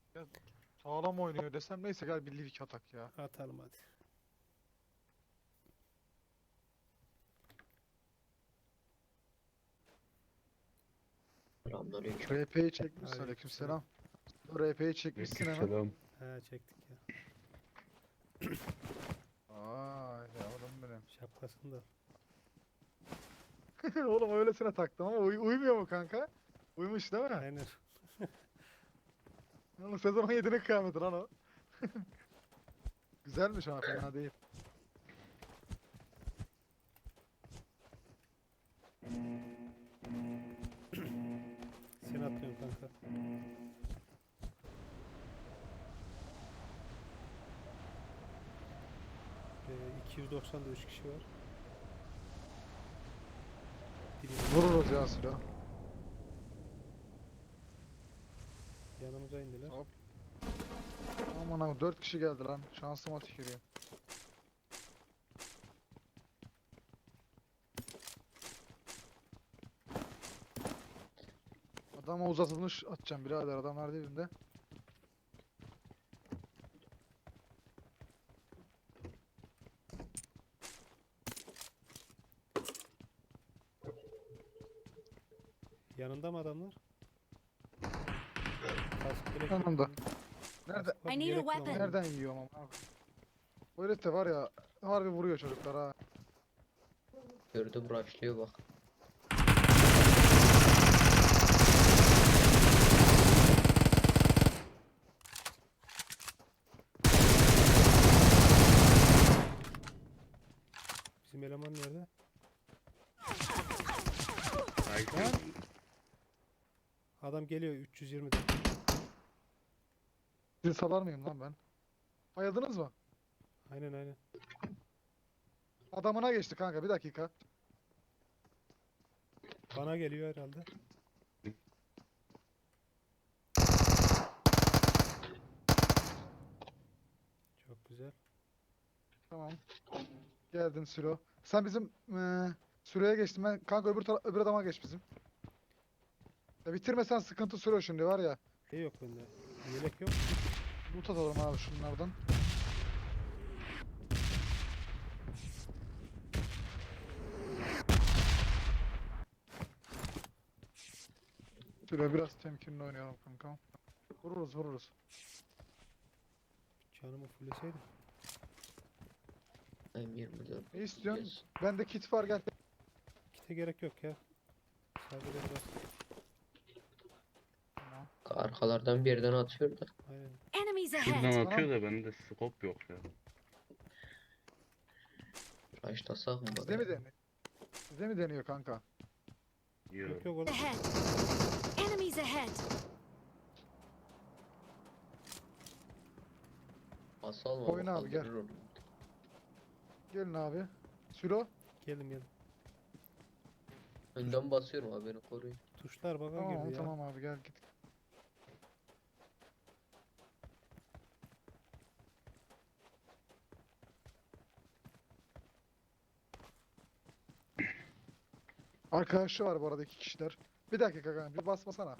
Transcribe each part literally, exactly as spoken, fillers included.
Ya, sağlam oynuyor desem neyse gel bir Livik atak ya. Atalım hadi. Selamünaleyküm. R P'yi çekmişsin, Aleykümselam. aleykümselam. R P'yi çekmişsin hemen. Aleykümselam. He çektik ya. Ay yavrum benim. Şapkasını da. Oğlum öylesine taktım ama uy uymuyor mu kanka? Uymuş değil mi? Aynen. Oğlum sezon on yedinin kıyameti lan o. Güzelmiş ama fena değil. Sen atıyorsun kanka. Ee, iki yüz doksanda üç kişi var. Biri Vururuz ya silah. yanımıza indiler. Hop. Aman abi dört kişi geldi lan. Şansıma tükürüyor. Adama uzatılmış atacağım birader, adamlar dibinde. Yanında mı adamlar? Kask gerek Yanımda. yok. Nerede? Kask var, I need a gerek weapon. bulamadım. Nereden yiyorum ama abi. Bu herif de var ya, harbi vuruyor çocuklar ha. Gördüm rushlıyor bak. Bizim eleman nerede? Ben Adam geliyor üç yüz yirmide. sizi salar mıyım lan ben? Bayıldınız mı? Aynen aynen. Adamına geçti kanka, bir dakika. Bana geliyor herhalde. Çok güzel. Tamam. Geldin Sülo. Sen bizim eee Sülo'ya geçtin, ben kanka öbür tara- öbür adama geç bizim. Ya bitirmesen sıkıntı Sülo şimdi var ya. Şey yok bende. Yelek yok. Loot atalım abi şunlardan. Sülo biraz temkinli oynayalım kanka. Vururuz vururuz. Canımı fulleseydim. M yirmi dört. Ne istiyorsun? Yes. Bende kit var, gel. Kite gerek yok ya. Sadece biraz. Tamam. Arkalardan bir yerden atıyor da. Aynen. Enemies Şuradan ahead! atıyor da bende scope yok ya. Rushlasak mı Bizde mi bari? deniyor? Bizde mi deniyor kanka? Yok. Yok yok orada. Ahead! Enemies ahead! Basalım Oyun ama abi, gel. kaldırır onu. Gelin abi. Sülo. Geldim geldim. Önden basıyorum abi, beni koruyun. Tuşlar baka Tamam girdi ya. tamam abi, gel git. Arkadaşı var bu arada, iki kişiler. Bir dakika kanka, bir basmasana.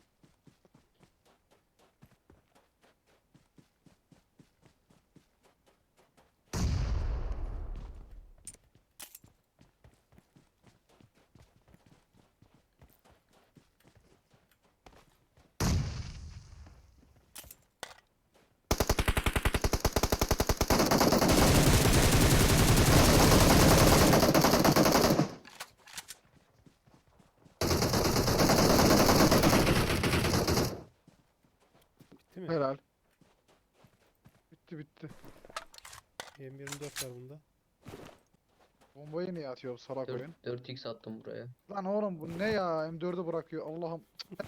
Bitti mi? Helal. Bitti bitti. M yirmi dört var bunda. Bombayı niye atıyor bu salak oyun? dört, dört x attım buraya. Lan oğlum bu ne ya? M dördü bırakıyor Allah'ım.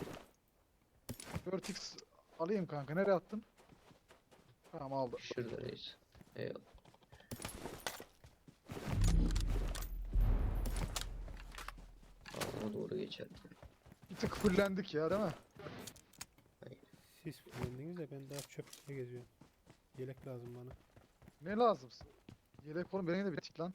dört x alayım kanka. Nereye attın? Tamam aldım. Şurada reis. Eyvallah. Ağzıma doğru geçer. Bir tık fullendik ya, değil mi? Siz fulllendiniz de ben daha çöple geziyorum. Yelek lazım bana. Ne lazım? Yelek oğlum, benim de bitik lan.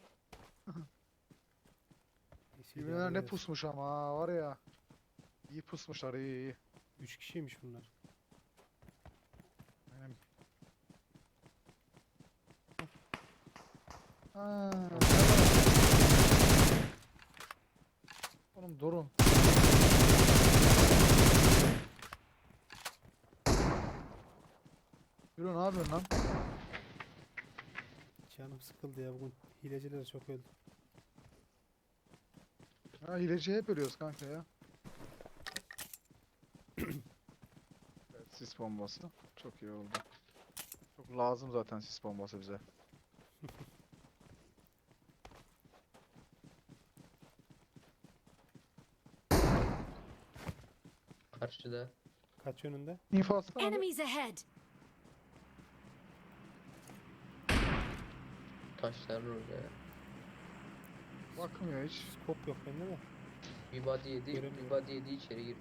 Neyse, Yeminler idare ne edersin. pusmuş ama var ya. İyi pusmuşlar, iyi iyi. Üç kişiymiş bunlar. Ha. Oğlum durun. Yürü ne yapıyorsun lan? Canım sıkıldı ya bugün. Hileciler çok öldü. Ha hileci hep ölüyoruz kanka ya. Evet, sis bombası. Çok iyi oldu. Çok lazım zaten sis bombası bize. Karşıda. Kaç yönünde? İnfo atsana abi. Enemies ahead! Taşların orada ya. Bakmıyor hiç. Skop yok bende de. Bir body yedi. Göremiyorum. Bir body yedi içeri girdi.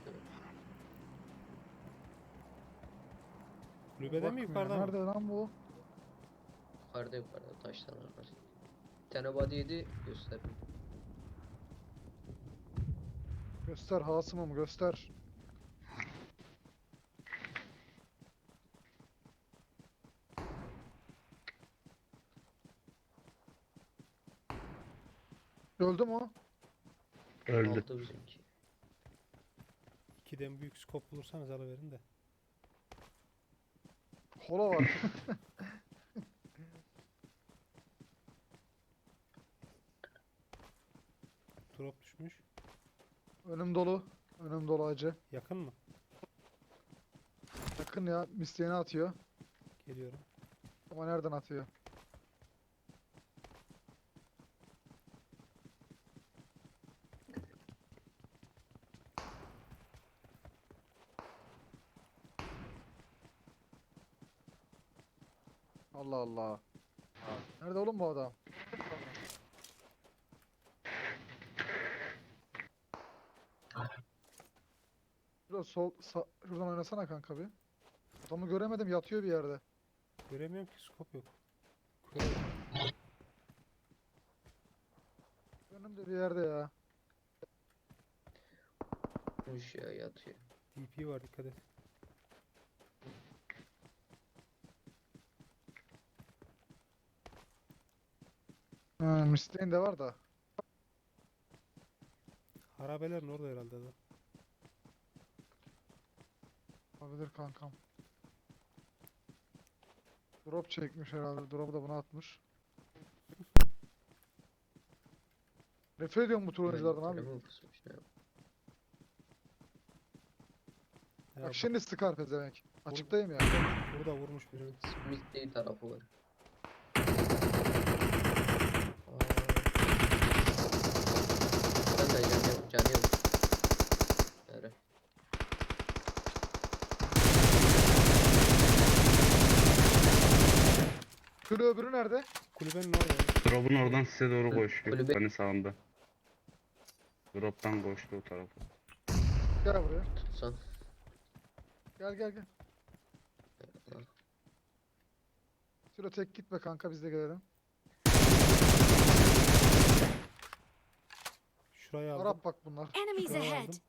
Kulübede mi Bakmıyor. yukarıda mı? Nerede lan bu? Yukarıda yukarıda taşların arasında. Bir tane body yedi göster. Göster Hasım'ım göster. Öldü mü o? Öldü. Aldı bizimki. İkiden büyük skop bulursanız alıverin de. Kola var. Drop düşmüş. Önüm dolu. Önüm dolu acı. Yakın mı? Yakın ya. Misteğini atıyor. Geliyorum. Ama nereden atıyor? Allah Allah. Nerede oğlum bu adam? Şurada sol, sağ, şuradan oynasana kanka bir. Adamı göremedim yatıyor bir yerde. Göremiyorum ki skop yok. Önümde bir yerde ya. Kuş ya yatıyor. D P var dikkat et. Ha, Misteğin de var da. Harabelerin orada herhalde adam. Olabilir kankam. Drop çekmiş herhalde. Drop'u da buna atmış. Nefret ediyorum bu tür oyunculardan abi. Telefon kısmış ya. Ya Bak bak, şimdi sıkar pezevenk. Açıktayım ya. burada vurmuş birini. Smith değil tarafı var. Aa. Ben de canı yok, canı yok. Nere? Şöyle öbürü nerede? Kulübenin orada. ya. Drop'un oradan size doğru koşuyor. Kulübe- Hani sağında. Drop'tan koştu o tarafa. Gel buraya. Tutsan. Gel gel gel. Şöyle tek gitme kanka biz de gelelim. Şurayı aldım. Arap bak bunlar. Enemies Şurayı ahead! aldım.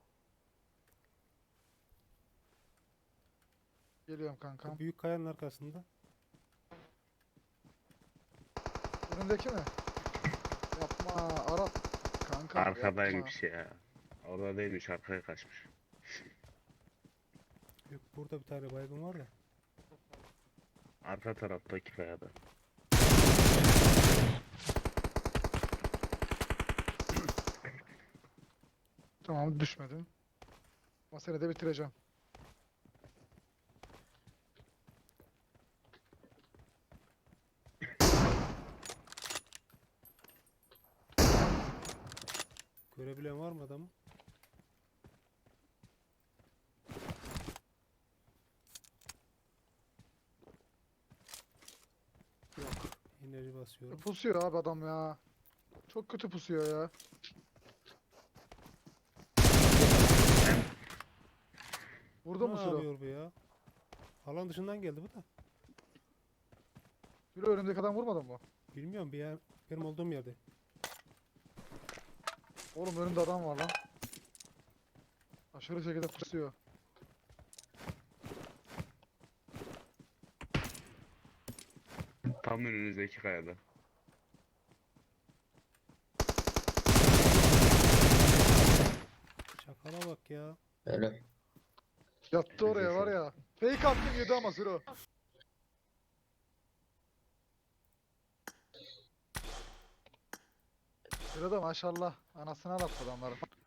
Geliyorum kankam. Bu büyük kayanın arkasında. Önümdeki mi? Yapma Arap. Kanka yapma. Arkadaymış ya. Orada değilmiş, arkaya kaçmış. Yok burada bir tane baygın var da. Arka taraftaki kayada. Tamam düşmedim. Ama seni de bitireceğim. Görebilen var mı adamı? Yok. Enerji basıyorum. Pusuyor abi adam ya. Çok kötü pusuyor ya. Vurdu mu Ne Suro? yapıyor bu ya? Alan dışından geldi bu da. Suro önümdeki adam vurmadın mı? Bilmiyorum bir yer, benim olduğum yerde. Oğlum önümde adam var lan. Aşırı şekilde pusuyor. Tam önünüzdeki kayada. bak ya. Öyle. Yattı oraya Güzel var şu ya. Fake attım yedi ama Siro. Siro da maşallah. Anasını ağlattı adamların.